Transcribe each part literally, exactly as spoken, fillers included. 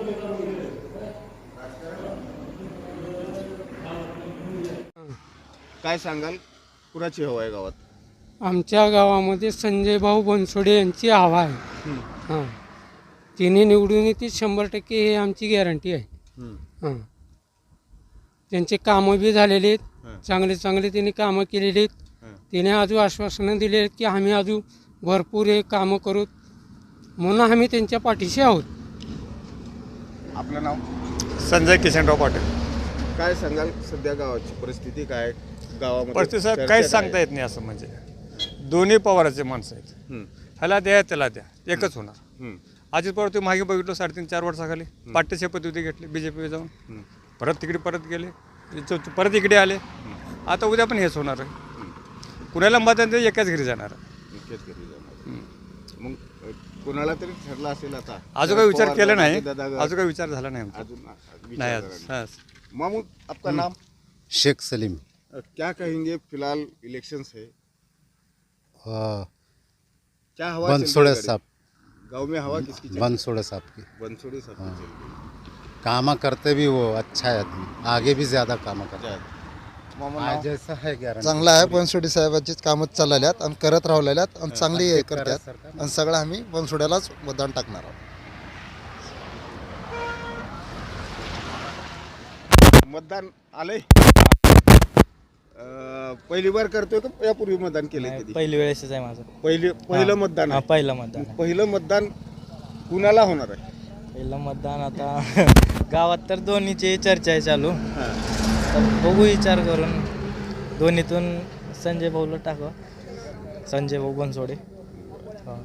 काय सांगाल, कुणाची हवा आहे गावात? आमच्या गावामध्ये संजय भाऊ बनसोडे यांची हवा आहे. हां, तिने निवडून येते शंभर टक्के, हे आमची गॅरंटी आहे. हां, त्यांचे कामं बी झालेले आहेत, चांगले चांगले त्यांनी कामं केलेली आहेत. तिने अजून आश्वासनं दिले आहेत की आम्ही अजून भरपूर हे कामं करू, म्हणून आम्ही त्यांच्या पाठीशी आहोत. आपलं नाव? संजय किशनराव पाटील. काय सांगाल, सध्या गावाची परिस्थिती काय? गावामध्ये परिस्थिती साहेब चर्चा काहीच काय सांगता येत नाही. असं म्हणजे दोन्ही पवाराचे माणसं आहेत. हम्म, ह्याला द्या त्याला द्या, एकच होणार. हम्म, अजित पवार ते मागे बघितलं साडेतीन चार वर्षाखाली पाट्य शपथविधी घेतली बी जे पी जाऊन, हम्म, परत तिकडे परत गेले, इथं- परत इकडे आले. आता उद्या पण हेच होणार आहे. कुणाला मतदान ते एकाच घरी जाणार. इतकेच घरी जाणार. मग अ, कुणाला तरी ठरला असेल आता? अजून काही विचार पवार केला गटाचे नाही. दादा गट. अजून काही विचार झाला नाही आमचा. अजून विचार नाही करा आज- नाही. आज. मामू, आपका नाम? शेख सलीम। अ, क्या कहेंगे, फिलहाल इलेक्शंस है, हाँ, क्या हवा चल रही है बनसोड़े गाड़ी? साहब, गांव में हवा किसकी चल रही है? बनसोड़े साहब की बनसोड़े साहब की चल रही कामा करते भी वो अच्छा है आदमी, आगे भी ज़्यादा कामा करते है. हैं. मामा आज नाव? जैसा है गॅरंटी चांगला आहे. बनसोडे साहेबांचीच कामं चाललेल्यात आणि करत राहिलेल्यात आणि चांगली हे करतात आणि सगळं आम्ही बनसोड्यालाच मतदान टाकणार आहोत. मतदान आलंय? अ, पहिली बार करतोय का यापूर्वी मतदान केलंय कधी? पहिली वेळेसच आहे माझं. पहिले पहिलं मतदान हा, आहे. पहिलं मतदान आहे. पहिलं मतदान कुणाला होणार आहे? पहिलं मतदान आता गावात तर दोन्हीची चर्चा आहे चालू. हां. तर बघू विचार करून दोन्हीतून संजय भाऊला टाकू. संजय भाऊ बनसोडे. हा.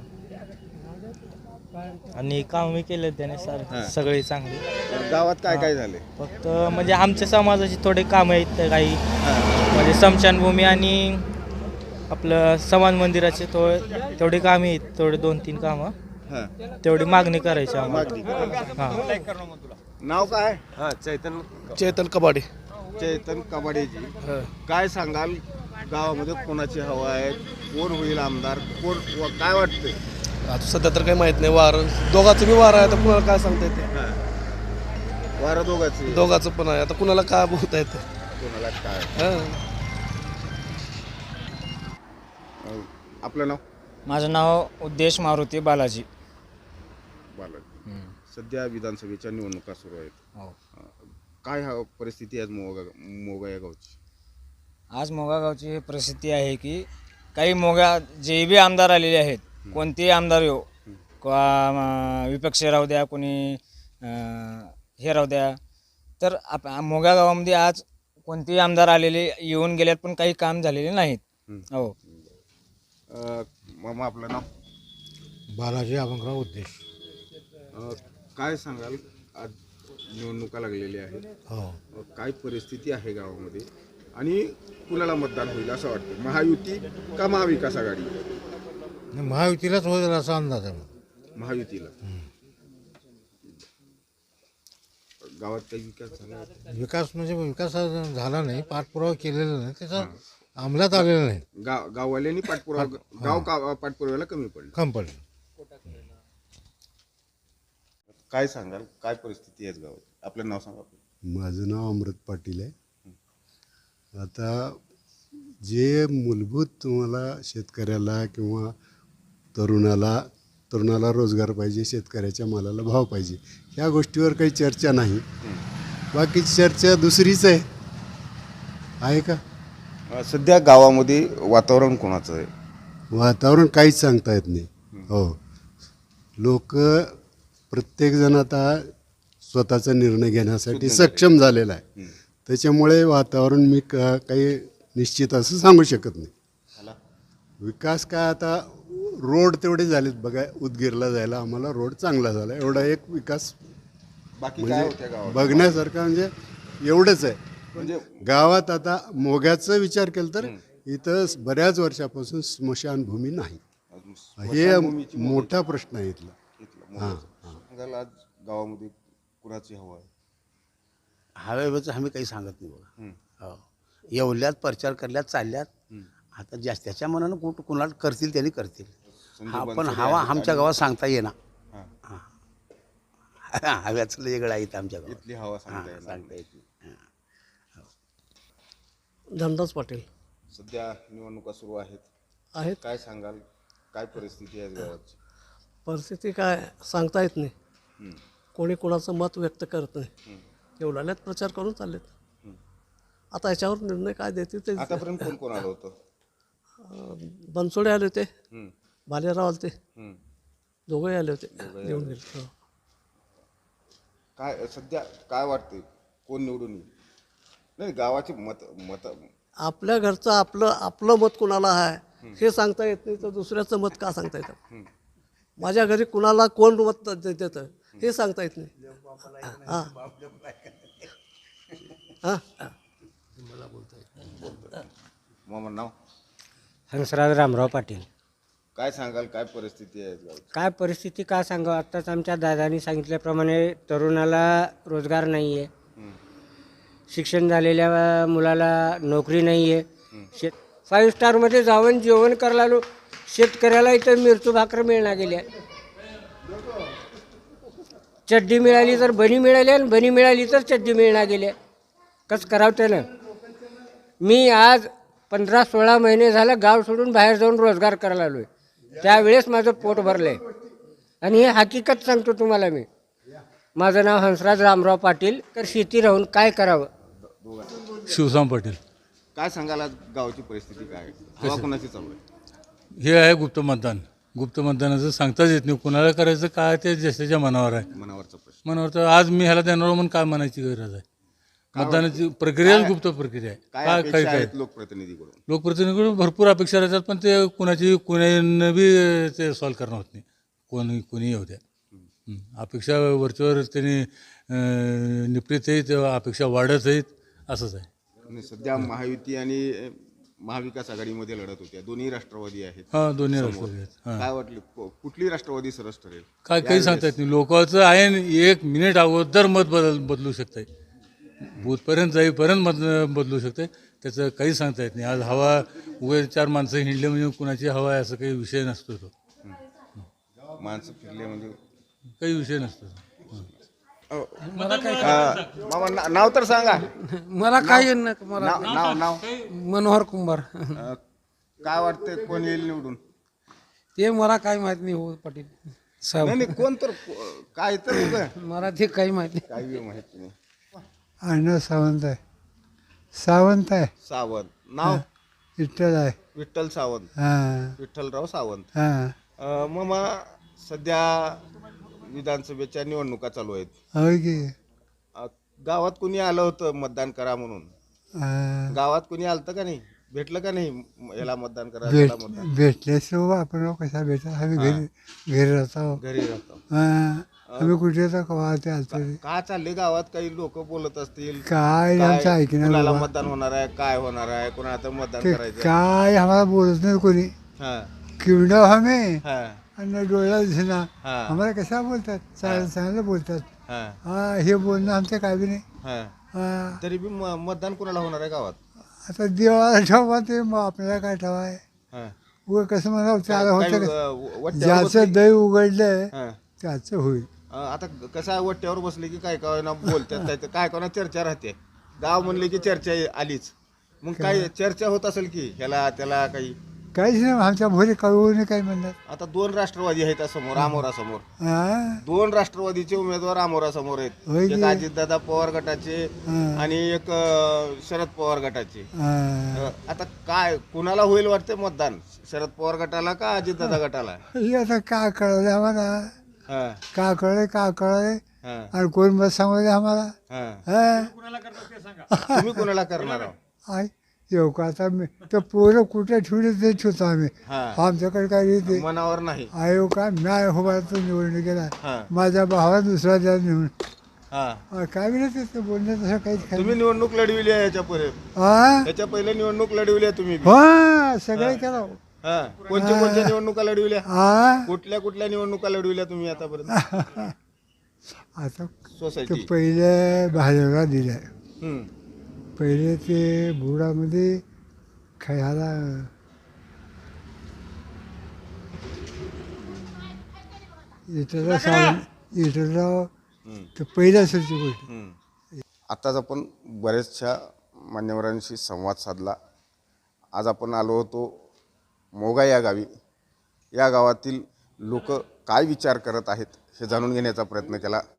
आणि काम मी केले त्याने सर हां. सगळी चांगली. गावात काय काय झाले? फक्त म्हणजे आमच्या समाजाची थोडे कामं आहेत तर काही, म्हणजे स्मशानभूमी आणि आपलं समाज मंदिराचे थोडे तेवढी कामे आहेत, थोडे दोन तीन कामं हां. तेवढी मागणी करायची आम्हाला. मागणी करा. हां. नाव काय? हा चैतन चेतन कबाडे. चेतन कबाडेजी. काय सांगाल, गावामध्ये कोणाची हवा आहे, कोण होईल आमदार, कोण व काय वाटतंय? आता सध्या तर काही माहित नाही. वार दोघांचं बी वार आहे, आता कुणाला काय सांगता येते. वारं दोघांची? दोघांचं पण आहे, आता कुणाला काय बोलता येते. कोणाला काय? हा. अ, आपलं नाव? माझं नाव उद्देश मारुती बालाजी. बालाजी. सध्या विधानसभेच्या निवडणुका सुरू आहेत. हो. अ, काय हा परिस्थिती आहे आज मोगा मोगा या गावची? आज मोगा गावची ही परिस्थिती आहे की काही मोगा जे बी आमदार आलेले आहेत, कोणतेही आमदार येऊ, किंवा विपक्ष राहू द्या, कोणी अं, हे राहू द्या, तर आप मोगा गावामध्ये आज कोणतेही आमदार आलेले येऊन गेल्यात पण काही काम झालेले नाहीत. हो. अ, मामा, आपलं नाव? बालाजी अभंगराव उद्देश. अ, काय सांगाल, आज निवडणुका लागलेल्या आहेत, हो, अ, काय परिस्थिती आहे गावामध्ये आणि कुणाला मतदान होईल असं वाटतं? महायुती का महाविकास आघाडी? महायुतीलाच होईल असा अंदाज आहे. महायुतीला. गावात काही विकास झाला? विकास म्हणजे विकास झाला नाही, पाठपुरावा केलेला नाही, त्याचा अंमलात आलेला नाही. गाव गाववाल्यांनी पाठपुरावा, गाव का पाठपुराव्याला कमी पडलं. कम पडलं. काय सांगाल, काय परिस्थिती आहे गावात? आपलं नाव सांगा. माझं नाव अमृत पाटील आहे. आता जे मूलभूत तुम्हाला शेतकऱ्याला किंवा तरुणाला तरुणाला रोजगार पाहिजे, शेतकऱ्याच्या मालाला भाव पाहिजे, ह्या गोष्टीवर काही चर्चा नाही. बाकीची चर्चा दुसरीच आहे आहे का? अ, सध्या गावामध्ये वातावरण कोणाचं आहे? वातावरण काहीच सांगता येत नाही. हो, लोक प्रत्येकजण आता स्वतःचा निर्णय घेण्यासाठी सक्षम झालेला आहे. त्याच्यामुळे वातावरण मी का काही निश्चित असं सांगू शकत नाही. विकास काय, आता रोड तेवढे झालेत बघा, उदगीरला जायला आम्हाला रोड चांगला झाला, एवढा एक विकास बाकी काय होत्या म्हणजे गावात? बघण्यासारखं म्हणजे एवढंच आहे. म्हणजे गावात आता मोग्याचा विचार केला तर इथं बऱ्याच वर्षापासून स्मशानभूमी नाही. हे मोठा प्रश्न आहे इथला. हां हां. सांगाल, आज गावामध्ये कुणाची हवा आहे? हवेबद्दल आम्ही काही सांगत नाही बघा. हो, एवढ्यात प्रचार करल्यात चालल्यात. आता जास्त त्याच्या मनानं कुठं कुणाला करतील त्यांनी करतील. हा, पण हवा आमच्या गावात सांगता येणार. हां. हां, हव्याचं वेगळं आहे इथं आमच्या गावात. इथली हवा सांगता हां, येणार सांगता नाही. येत नाही. धनराज पाटील सध्या निवडणुका सुरू आहेत. आहेत. काय सांगाल, काय परिस्थिती आहे गावाची? परिस्थिती काय सांगता येत नाही. हं. कोणी कोणाचं मत व्यक्त करत नाही. एवढ्यालाच प्रचार करून चाललेत. आता याच्यावर निर्णय काय देतील ते आतापर्यंत कोण कोण आलं होतं? अं, बनसोडे आले होते, हं. भालेराव आले होते, हं. दोघंही आले होते, येऊन गेले. हो. काय सध्या काय वाटते, कोण निवडून येईल? नाही, गावाची मत मत आपल्या घरचं आपलं आपलं मत कुणाला आहे हे सांगता येत नाही, तर दुसऱ्याचं मत का सांगता येतं? माझ्या घरी कुणाला कोण मत दे- देतं हे सांगता येत नाही. हां हां मामा नाव हंसराज रामराव पाटील. काय सांगाल, काय परिस्थिती आहे गावाची? काय परिस्थिती का सांगावं, आत्ताच आमच्या दादानी सांगितल्याप्रमाणे तरुणाला रोजगार नाही आहे, शिक्षण झालेल्या मुलाला नोकरी नाही आहे. शेत फाईव्ह स्टारमध्ये जाऊन जेवण करायला आलो, शेतकऱ्याला इथं मिरचू भाकर मिळणार गेल्या, चड्डी मिळाली तर बनी मिळाली आणि बनी मिळाली तर चड्डी मिळणार गेल्या. कसं करावं त्यानं? मी आज पंधरा सोळा महिने झालं गाव सोडून बाहेर जाऊन रोजगार करायला आलो आहे, त्यावेळेस माझं पोट भरलं आहे. आणि हे हकीकत सांगतो तुम्हाला मी. माझं नाव हंसराज रामराव पाटील. तर शेती राहून काय करावं? शिवसाम पाटील. काय सांगाल, आज गावाची परिस्थिती काय आहे? हवा कोणाची चालू आहे? हे आहे गुप्त मतदान. गुप्त मतदानाचं सांगताच येत नाही, कोणाला करायचं काय ते ज्याच्या मनावर आहे. मनावरचा प्रश्न. मनावर तर आज मी ह्याला देणार म्हणून काय म्हणायची गरज आहे? मतदानाची प्रक्रियाच गुप्त प्रक्रिया आहे. काय काय अपेक्षा काय काय आहेत लोकप्रतिनिधीकडून? लोकप्रतिनिधीकडून भरपूर अपेक्षा राहतात, पण ते कुणाची कुणानं बी ते सॉल्व करणं होत नाही. कोणी कोणी येऊ द्या, हं. अपेक्षा वरच्यावर त्यांनी अं, निपटीत आहेत, अपेक्षा वाढत आहेत, असंच आहे. आणि सध्या महायुती आणि अ, महाविकास आघाडीमध्ये लढत होत्या, दोन्ही राष्ट्रवादी आहेत. हां, दोन्ही समोर. राष्ट्रवादी आहेत. हां. काय वाटलं, को- कुठली राष्ट्रवादी सरस ठरेल? काय काही सांगता येत नाही. लोकांचं आहे न एक मिनिट अगोदर मत बदल बदलू शकते, बूथपर्यंत जाईपर्यंत मत बदलू शकते, त्याचं काही सांगता येत नाही. आज हवा उभे चार माणसं हिंडले म्हणजे कुणाची हवा आहे असं काही विषय नसतो तो. माणसं फिरले म्हणजे काही विषय नसतो. मला काय अ, मामा ना- नाव तर सांगा. मला काय मला नाव नाव नाव मनोहर कुंभार. अ, काय वाटतंय, कोण येईल निवडून? ते मला काय माहित नाही हो पाटील साहेब. नाही नाही, कोण तर को- काय तर उभं. मला ते काही माहित नाही. काही माहिती नाही. अण्णा सावंत आहे. सावंत आहे. सावंत. नाव विठ्ठल आहे. विठ्ठल सावंत. हां विठ्ठलराव सावंत. हां अ, मामा, सध्या विधानसभेच्या निवडणुका चालू आहेत. होय की. अ, गावात कुणी आलं होतं मतदान करा म्हणून? हां. गावात कुणी आलतं का नाही? भेटलं का नाही म- याला मतदान करा, भेट त्याला मतदान? भेटल्याशिवाय आपण कशा भेटा आम्ही घरी घरी राहतो. घरी राहतो. हां. आम्ही कुठे तर कवा ते आलतो का चालले गावात? काही लोक बोलत असतील काय आमचं काय, ऐकणार कुणाला बाबा. मतदान होणार आहे, काय होणार आहे, कुणा आता मतदान ते करायचं? काय आम्हाला बोलत नाही कोणी. हा किवडं आम्ही हा आणि डोळ्याला दिसेना. हा आम्हाला कशा बोलतात? चांगलं चांगलं बोलतात. हा हा हे बोलणं आमचं काय बी नाही. हा हा. तरी बी म- मतदान कुणाला होणार आहे गावात? आता देवाला ठेवा ते मग आपल्याला काय ठेवाय. हा. उगं कसं म्हणा त्याला काही, होतं अ, का? वट्ट्यावर ज्याचं बसले- दही उघडलंय हा. त्याचं होईल. अ, आता कसं आहे, वट्ट्यावर बसले की काय काय ना बोलतात, काय काय कोणा चर्चा राहते. गाव म्हणले की चर्चा आलीच. मग काय चर्चा होत असेल की ह्याला त्याला काही? काहीच नाही आमच्या भोरी कळवून काय म्हणतात. आता दोन राष्ट्रवादी आहेत समोर, आमोरासमोर. हा. दोन राष्ट्रवादीचे उमेदवार आमोरासमोर आहेत. होय की. एक अजितदादा पवार गटाचे हा. आणि एक अ, शरद पवार गटाचे. हा. अ, आता काय कुणाला होईल वाटते मतदान? शरद पवार गटाला का अजितदादा गटाला? हे आता काय कळलं आम्हाला. हा का कळलंय का कळलंय हा आणि कोण मत सांगू दे आम्हाला. हा. हा. तुम्ही कुणाला करणार आहो? आय येऊ का आता मी तर पोरं कुठे ठेवले ते ठेवतो आम्ही. हा. आमच्याकडे काय येते मनावर नाही. आयो का मी उभारतो निवडणुकीला. हा माझ्या भावाला दुसरा द्या निवडून हा. काय नाही ते बोलणं तसं काहीच काय तुम्ही निवडणूक लढविली आहे याच्या पहिले? हा याच्या पहिले निवडणूक लढविली आहे तुम्ही बी? हा सगळे केलं. हा. कोणत्या कोणत्या निवडणुका लढविल्या? हा कुठल्या कुठल्या निवडणुका लढविल्या तुम्ही आतापर्यंत? आता सोसायटी. ते पहिले भाजपला दिलं. हम्म. पहिले ते बुडामध्ये खायला इटरराव सावंत इटरराव तर पहिल्या असेलची गोष्ट. आत्ताच आपण बऱ्याचशा मान्यवरांशी संवाद साधला. आज आपण आलो होतो मोगा या गावी. या गावातील लोक काय विचार करत आहेत हे जाणून घेण्याचा प्रयत्न केला.